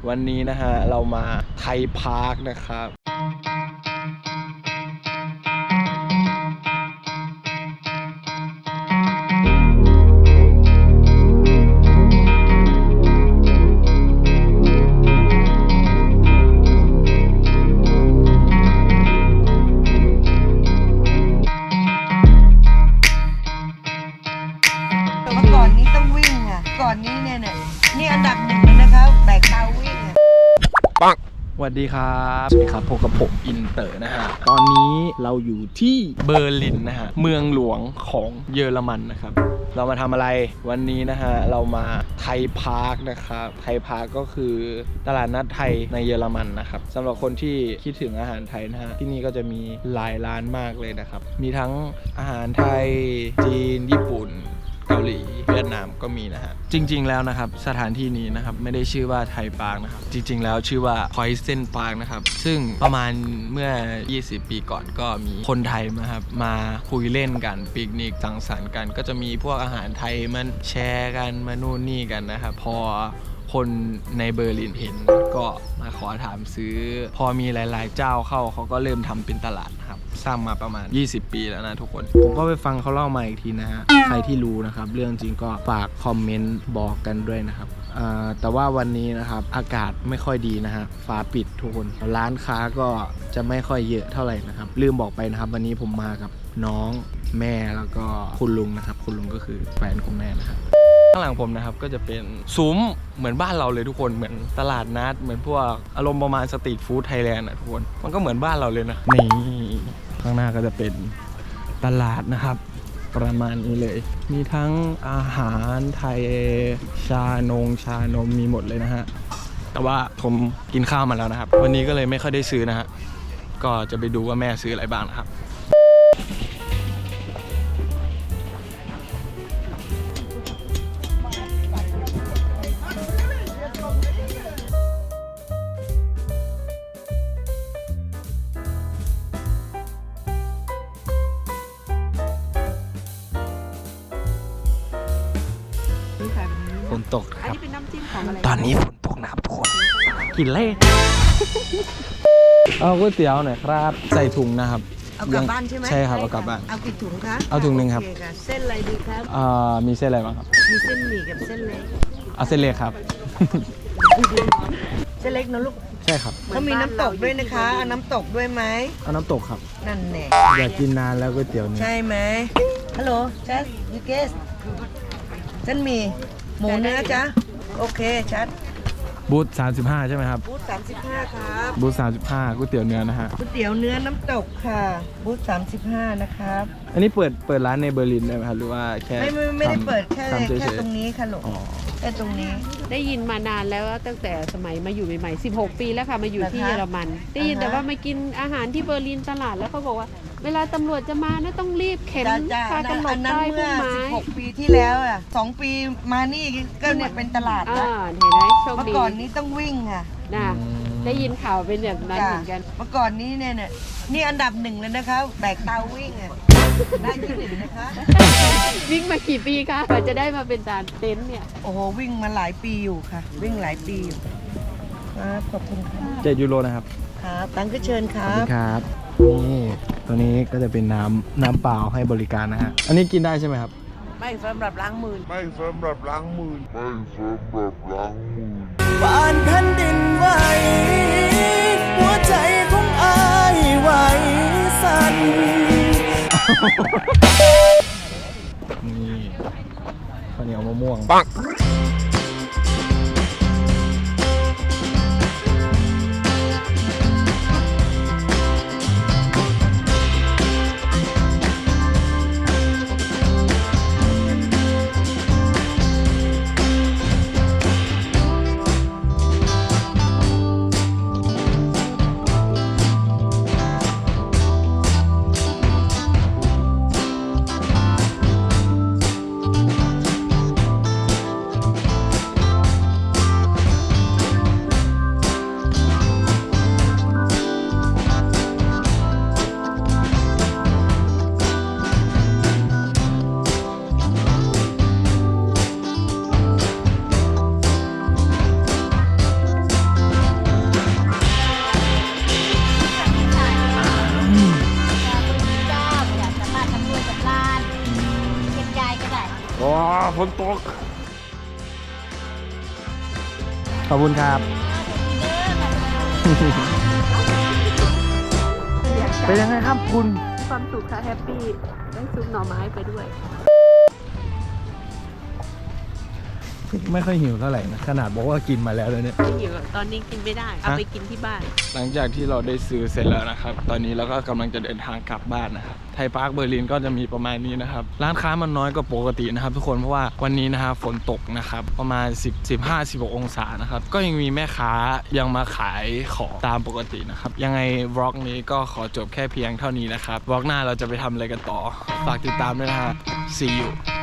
วันนี้นะฮะเรามาไทยพาร์คนะครับก่อนนี้ต้องวิ่งอ่ะก่อนนี้เนี่ยนี่อันดับหนึ่งเลยนะครับแบกเตาวิ่งอ่ะปังสวัสดีครับสวัสดีครับพบกับผมอินเตอร์นะฮะตอนนี้เราอยู่ที่เบอร์ลินนะฮะเมืองหลวงของเยอรมันนะครับเรามาทำอะไรวันนี้นะฮะเรามาไทยพาร์คนะครับไทยพาร์คก็คือตลาดนัดไทยในเยอรมันนะครับสำหรับคนที่คิดถึงอาหารไทยนะฮะที่นี่ก็จะมีหลายร้านมากเลยนะครับมีทั้งอาหารไทยจีนญี่ปุ่นเกาหลีเวียดนามก็มีนะฮะจริงๆแล้วนะครับสถานที่นี้นะครับไม่ได้ชื่อว่าไทยพาร์คนะครับจริงๆแล้วชื่อว่า Poison Park นะครับซึ่งประมาณเมื่อ20 ปีก่อนก็มีคนไทยนะครับมาคุยเล่นกันปิกนิกสังสรรค์กันก็จะมีพวกอาหารไทยมันแชร์กันมานู่นนี่กันนะครับพอคนในเบอร์ลินเห็นก็มาขอถามซื้อพอมีหลายๆเจ้าเข้าเขาก็เริ่มทำเป็นตลาดนะครับสร้างมาประมาณ20 ปีแล้วนะทุกคนผมก็ไปฟังเขาเล่ามาอีกทีนะฮะใครที่รู้นะครับเรื่องจริงก็ฝากคอมเมนต์บอกกันด้วยนะครับแต่ว่าวันนี้นะครับอากาศไม่ค่อยดีนะฮะฟ้าปิดทุกคนร้านค้าก็จะไม่ค่อยเยอะเท่าไหร่นะครับลืมบอกไปนะครับวันนี้ผมมากับน้องแม่แล้วก็คุณลุงนะครับคุณลุงก็คือแฟนคุณแม่นะครับข้างหลังผมนะครับก็จะเป็นซุ้มเหมือนบ้านเราเลยทุกคนเหมือนตลาดนัดเหมือนพวกอารมณ์ประมาณสตรีทฟู้ดไทยแลนด์นะทุกคนมันก็เหมือนบ้านเราเลยนะนี่ข้างหน้าก็จะเป็นตลาดนะครับประมาณนี้เลยมีทั้งอาหารไทยชานมมีหมดเลยนะฮะแต่ว่าผมกินข้าวมาแล้วนะครับวันนี้ก็เลยไม่ค่อยได้ซื้อนะฮะก็จะไปดูว่าแม่ซื้ออะไรบ้างนะครับฝนตกครับตอนนี้ฝนตกนะครับทุกคนกินเล่เอาก๋วยเตี๋ยวหน่อยครับใส่ถุงนะครับเอากลับบ้านใช่ไหมใช่ครับเอากลับบ้านเอากี่ถุงคะเอาถุงหนึ่งครับเส้นอะไรดีครับมีเส้นอะไรบ้างครับมีเส้นหมี่กับเส้นเล็กเอาเส้นเล็กครับเส้นเล็กนะลูกใช่ครับเขามีน้ำตกด้วยนะคะเอาน้ำตกด้วยไหมเอาน้ำตกครับนั่นแน่อยากกินนานแล้วก๋วยเตี๋ยวเนี่ยใช่ไหมฮัลโหลชัดยูเกสเส้นหมี่หมูเนื้อจ้ะโอเคชัดบูธ35ใช่ไหมครับบูธ35ครับบูธ35ก๋วยเตี๋ยวเนื้อนะฮะก๋วยเตี๋ยวเนื้อน้ำตกค่ะบูธ35นะครับอันนี้เปิดร้านในเบอร์ลินได้ไหมครับหรือว่าแค่ไม่ได้เปิดแค่ตรงนี้ค่ะลูกแค่ตรงนี้ได้ยินมานานแล้วตั้งแต่สมัยมาอยู่ใหม่ๆ16 ปีแล้วค่ะมาอยู่ที่เยอรมันได้ยินแต่ว่ามากินอาหารที่เบอร์ลินตลาดแล้วเขาบอกว่าเวลาตำรวจจะมานะต้องรีบเข็นพากำหนดป้ายพุ่มไม้ 16 ปีที่แล้วอ่ะ2 ปีมานี่ก็เนี่ยเป็นตลาดแล้วเห็นไหมโชคดีเมื่อก่อนนี้ต้องวิ่งค่ะนะได้ยินข่าวเป็นแบบนั้นเหมือนกันเมื่อก่อนนี้เนี่ยนี่อันดับหนึ่งเลยนะคะแบกเตาวิ่งอ่ะได้ที่หนึ่งนะคะวิ่งมากี่ปีคะกว่าจะได้มาเป็นด่านเต็นท์เนี่ยโอ้โหวิ่งมาหลายปีอยู่ค่ะวิ่งหลายปีอยู่ครับขอบคุณค่ะ 7 ยูโรนะครับครับตั้งก็เชิญครับครับนี่ตัวนี้ก็จะเป็นน้ำเปล่าให้บริการนะฮะอันนี้กินได้ใช่ไหมครับไม่สำหรับล้างมือบ้านแผ่นดินไหวหัวใจของอายไหวสั่นนี่ข้าวเหนียวมะม่วงปังฝนตกขอบคุณครับ เป็นยังไงครับคุณความสุขค่ะแฮปปี้ได้ซุปหน่อไม้ไปด้วยไม่ค่อยหิวเท่าไหร่นะขนาดบอกว่ากินมาแล้วเลยเนี่ยไม่หิวตอนนี้กินไม่ได้ เอาไปกินที่บ้านหลังจากที่เราได้ซื้อเสร็จแล้วนะครับ ตอนนี้เราก็กำลังจะเดินทางกลับบ้านนะครับ ไทยพาร์คเบอร์ลินก็จะมีประมาณนี้นะครับ ร้านค้ามันน้อยกว่าปกตินะครับทุกคน เพราะว่าวันนี้นะครับฝนตกนะครับ ประมาณ15-16 องศานะครับ ก็ยังมีแม่ค้ายังมาขายของตามปกตินะครับ ยังไงวล็อกนี้ก็ขอจบแค่เพียงเท่านี้นะครับ วล็อกหน้าเราจะไปทำอะไรกันต่อ ฝากติดตามด้วยนะฮะ See you